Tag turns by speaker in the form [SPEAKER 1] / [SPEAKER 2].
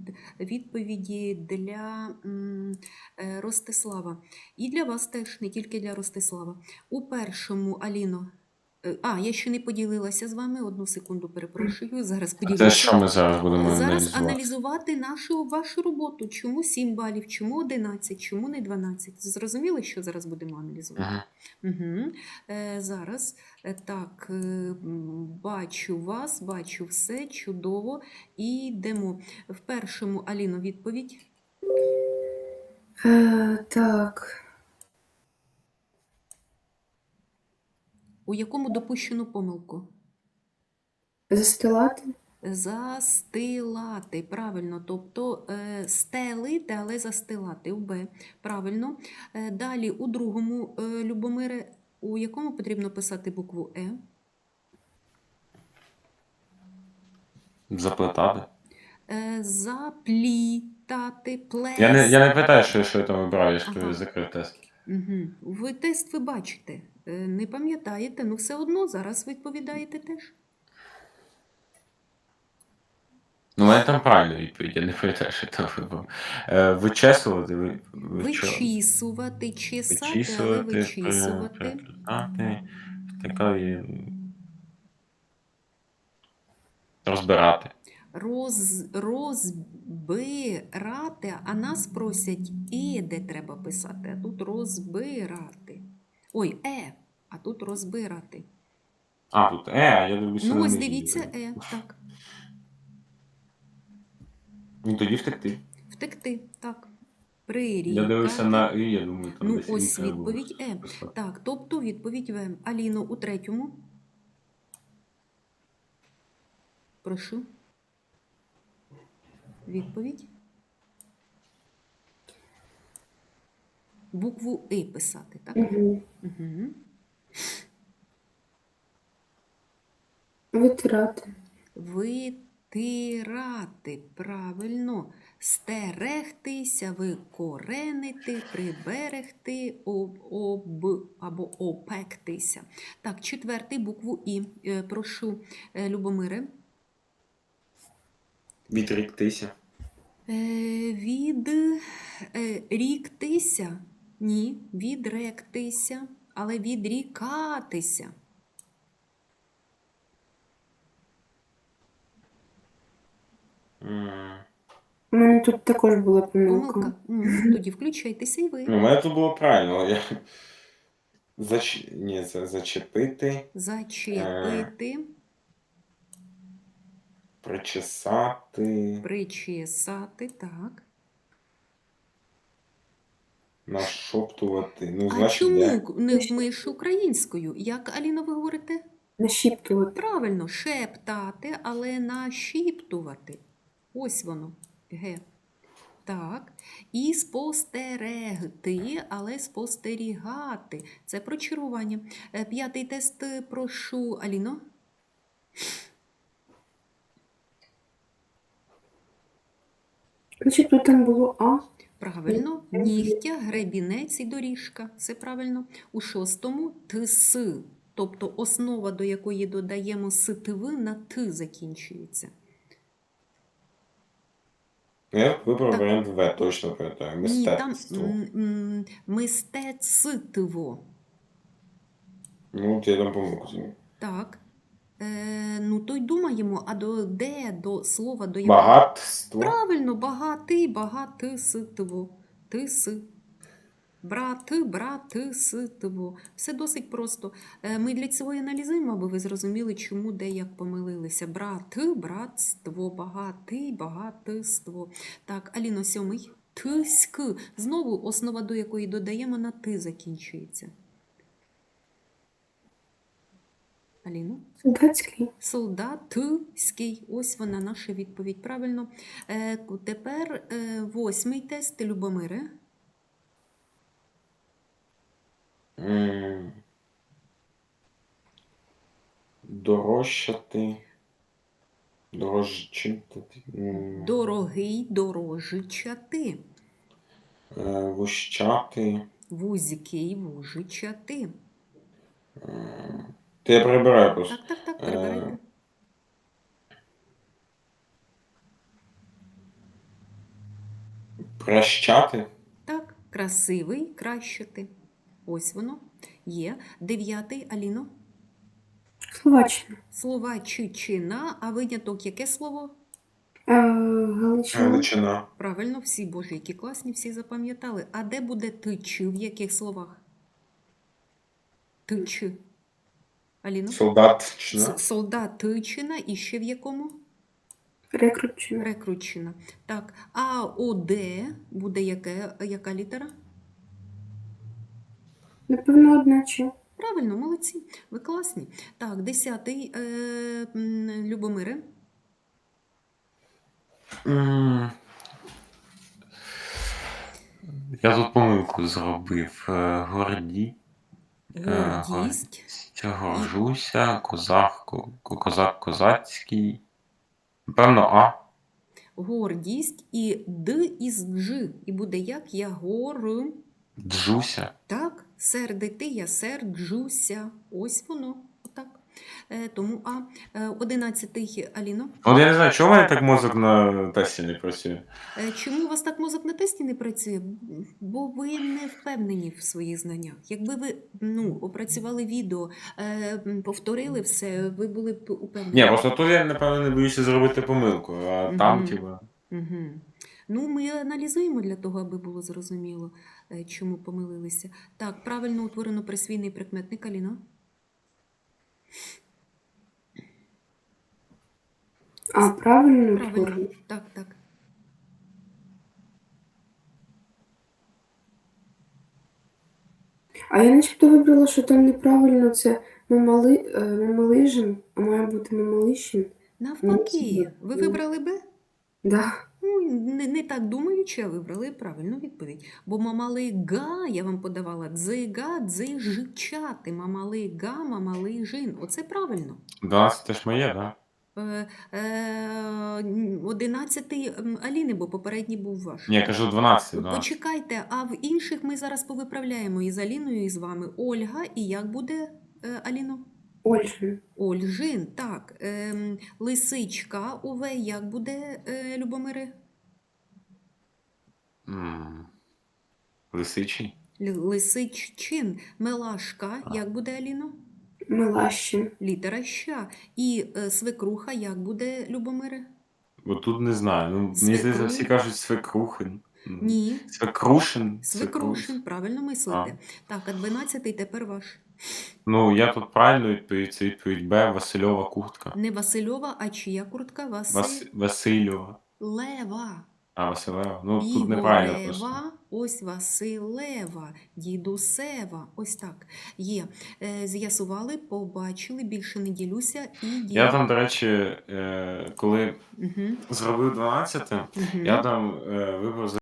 [SPEAKER 1] відповіді для Ростислава. І для вас теж, не тільки для Ростислава. У першому, Аліно, я ще не поділилася з вами, одну секунду перепрошую, зараз
[SPEAKER 2] Це
[SPEAKER 1] поділюся.
[SPEAKER 2] що ми зараз будемо
[SPEAKER 1] Зараз
[SPEAKER 2] аналізувати?
[SPEAKER 1] аналізувати вашу роботу. Чому 7 балів, чому 11, чому не 12? Зрозуміли, що зараз будемо аналізувати? Угу. Зараз, так, бачу вас, бачу все, чудово. І йдемо. В першому, Аліно, відповідь.
[SPEAKER 3] Так.
[SPEAKER 1] У якому допущено помилку?
[SPEAKER 3] Застилати?
[SPEAKER 1] Застилати, правильно, тобто стелити, але застилати, у Б, правильно. Далі у другому, Любомире, у якому потрібно писати букву Е?
[SPEAKER 2] Заплетати.
[SPEAKER 1] Заплітати, плес.
[SPEAKER 2] Я не питаю, що я там вибираю, я ж
[SPEAKER 1] Ага.
[SPEAKER 2] закрив тест.
[SPEAKER 1] Угу. Ви тест ви бачите, не пам'ятаєте, ну все одно зараз відповідаєте теж.
[SPEAKER 2] Ну, у мене там правильна відповідь, я не пам'ятаю, що я там вибрав. Вичесувати,
[SPEAKER 1] Вичісувати, чесати, але вичісувати.
[SPEAKER 2] приплітати, втикати, розбирати.
[SPEAKER 1] Розбирати, а нас просять де треба писати, а тут розбирати. Ой, а тут розбирати.
[SPEAKER 2] Тут я дивлюся.
[SPEAKER 1] Ну, ось дивіться, так.
[SPEAKER 2] Ну, тоді втекти.
[SPEAKER 1] Втекти, так. Прирікати.
[SPEAKER 2] Я дивився на я думаю, там
[SPEAKER 1] Ну,
[SPEAKER 2] десь
[SPEAKER 1] ось
[SPEAKER 2] треба було
[SPEAKER 1] відповідь
[SPEAKER 2] писати.
[SPEAKER 1] Так, тобто відповідь В. Аліно, у третьому. Прошу. Відповідь. Букву І писати, так?
[SPEAKER 3] Угу.
[SPEAKER 1] Угу.
[SPEAKER 3] Витирати.
[SPEAKER 1] Витирати, правильно. Стерегтися, викоренити, приберегти, або опектися. Так, четвертий, букву І. Прошу, Любомире.
[SPEAKER 2] Відріктися.
[SPEAKER 1] Відріктися? Ні, відректися, але відрікатися.
[SPEAKER 3] У мене тут також була помилка.
[SPEAKER 1] Тоді включайтеся і ви.
[SPEAKER 2] У мене тут було правильно. Це зачепити.
[SPEAKER 1] Зачепити.
[SPEAKER 2] Причесати.
[SPEAKER 1] Причесати, так.
[SPEAKER 2] Нашоптувати. Ну,
[SPEAKER 1] А
[SPEAKER 2] значить,
[SPEAKER 1] чому не вмиш українською? Як, Аліно, ви говорите?
[SPEAKER 3] Нашіптувати.
[SPEAKER 1] Правильно, шептати, але нашіптувати. Ось воно. Г. Так. І спостерегти, але спостерігати. Це прочарування. П'ятий тест, прошу, Аліно.
[SPEAKER 3] Значить, тут там було А.
[SPEAKER 1] Правильно. Нігтя, гребінець і доріжка. Все правильно. У шостому ТС. Тобто основа, до якої додаємо ситиви, на Т закінчується.
[SPEAKER 2] Я вибрав варіант В, точно пам'ятаю. Мистецтво.
[SPEAKER 1] Ні, там мистецтво.
[SPEAKER 2] Ну, я там помилку зробив.
[SPEAKER 1] Так. То й думаємо, а до слова, до якого...
[SPEAKER 2] Багатство.
[SPEAKER 1] Правильно, багатиситво. Тис. Братиситво. Все досить просто. Ми для цього і аналізуємо, аби ви зрозуміли, чому, де, як помилилися. Братство, багатиство. Так, Аліно, сьомий. Тиськ. Знову основа, до якої додаємо, на Ти закінчується. Аліно?
[SPEAKER 3] Солдатський.
[SPEAKER 1] Солдатський. Ось вона, наша відповідь. Правильно. Тепер восьмий тест, Любомире.
[SPEAKER 2] Дорожчати. Дорожчати.
[SPEAKER 1] Дорогий, дорожичати.
[SPEAKER 2] Вущати.
[SPEAKER 1] Вузький, вужичати.
[SPEAKER 2] Ти я прибираю просто.
[SPEAKER 1] Так, прибирайте.
[SPEAKER 2] Прощати.
[SPEAKER 1] Так, красивий, кращити. Ось воно є. 9, Аліно.
[SPEAKER 3] Словаччина.
[SPEAKER 1] Словаччина, а виняток яке слово?
[SPEAKER 3] Галичина.
[SPEAKER 2] Галичина.
[SPEAKER 1] Правильно, всі, боже, які класні, всі запам'ятали. А де буде тич? В яких словах? Тич. Аліно?
[SPEAKER 2] Солдатчина.
[SPEAKER 1] Солдатичина і ще в якому?
[SPEAKER 3] Рекрутчина.
[SPEAKER 1] Рекрутчина. Так, а ОД буде яка літера?
[SPEAKER 3] Напевно, одначе.
[SPEAKER 1] Правильно, молодці, ви класні. Так, 10, Любомире.
[SPEAKER 2] М, Я тут помилку зробив. Горді.
[SPEAKER 1] Гордість.
[SPEAKER 2] Горжуся, козак козацький. Певно, А.
[SPEAKER 1] Гордість і Д із Дж. І буде як? Я
[SPEAKER 2] Джуся.
[SPEAKER 1] Так, сердити, я серджуся. Ось воно. Отак. Тому А. 11, Аліно.
[SPEAKER 2] От я не знаю, чому в мене так мозок на тесті не працює.
[SPEAKER 1] Чому у вас так мозок на тесті не працює? Бо ви не впевнені в своїх знаннях. Якби ви опрацювали відео, повторили все, ви були б упевнені.
[SPEAKER 2] Ні, просто тут я, напевно, не боюся зробити помилку, а там,
[SPEAKER 1] Мгм.
[SPEAKER 2] типа.
[SPEAKER 1] Угу. Ну, ми аналізуємо для того, аби було зрозуміло, чому помилилися. Так, правильно утворено присвійний прикметник, Аліно.
[SPEAKER 3] Правильно
[SPEAKER 1] Правильно.
[SPEAKER 3] утворено.
[SPEAKER 1] Так, так.
[SPEAKER 3] А я начебто вибрала, що там неправильно це мамалижин, а має бути мамалищин.
[SPEAKER 1] Навпаки, ви вибрали Б?
[SPEAKER 3] Да.
[SPEAKER 1] Ну, не так думаючи, а вибрали правильну відповідь. Бо мамалига, я вам подавала, дзига, дзижичати, мамалига, мамалижин. Оце правильно.
[SPEAKER 2] 12 теж моє, так?
[SPEAKER 1] 11 Аліни, бо попередній був ваш.
[SPEAKER 2] Ні, я кажу 12, да.
[SPEAKER 1] Почекайте, а в інших ми зараз повиправляємо і з Аліною, і з вами. Ольга, і як буде, Аліно?
[SPEAKER 3] Ольжин.
[SPEAKER 1] Ольжин, так. Лисичка, Ове, як буде, Любомире?
[SPEAKER 2] Лисичий.
[SPEAKER 1] Лисиччин. Мелашка, як буде, Аліно?
[SPEAKER 3] Мелащин.
[SPEAKER 1] Літера ща. І свекруха, як буде, Любомире?
[SPEAKER 2] Бо тут не знаю. Ну, мені
[SPEAKER 1] Свекру-
[SPEAKER 2] здається, всі кажуть свекрухин.
[SPEAKER 1] Ні.
[SPEAKER 2] Свекрушин.
[SPEAKER 1] Свекрушин, правильно мислите. Так, а 12-й тепер ваш.
[SPEAKER 2] Ну, я тут правильно відповідь, це відповідь Б, Васильова куртка.
[SPEAKER 1] Не Васильова, а чия куртка?
[SPEAKER 2] Васильова.
[SPEAKER 1] Василева.
[SPEAKER 2] А, Василева. Ну, тут неправильно просто.
[SPEAKER 1] Ігорева, ось Василева, дідусева, ось так. Є. З'ясували, побачили, більше не ділюся і
[SPEAKER 2] Я там, до речі, коли
[SPEAKER 1] Угу.
[SPEAKER 2] зробив 12,
[SPEAKER 1] Угу.
[SPEAKER 2] я там вибрав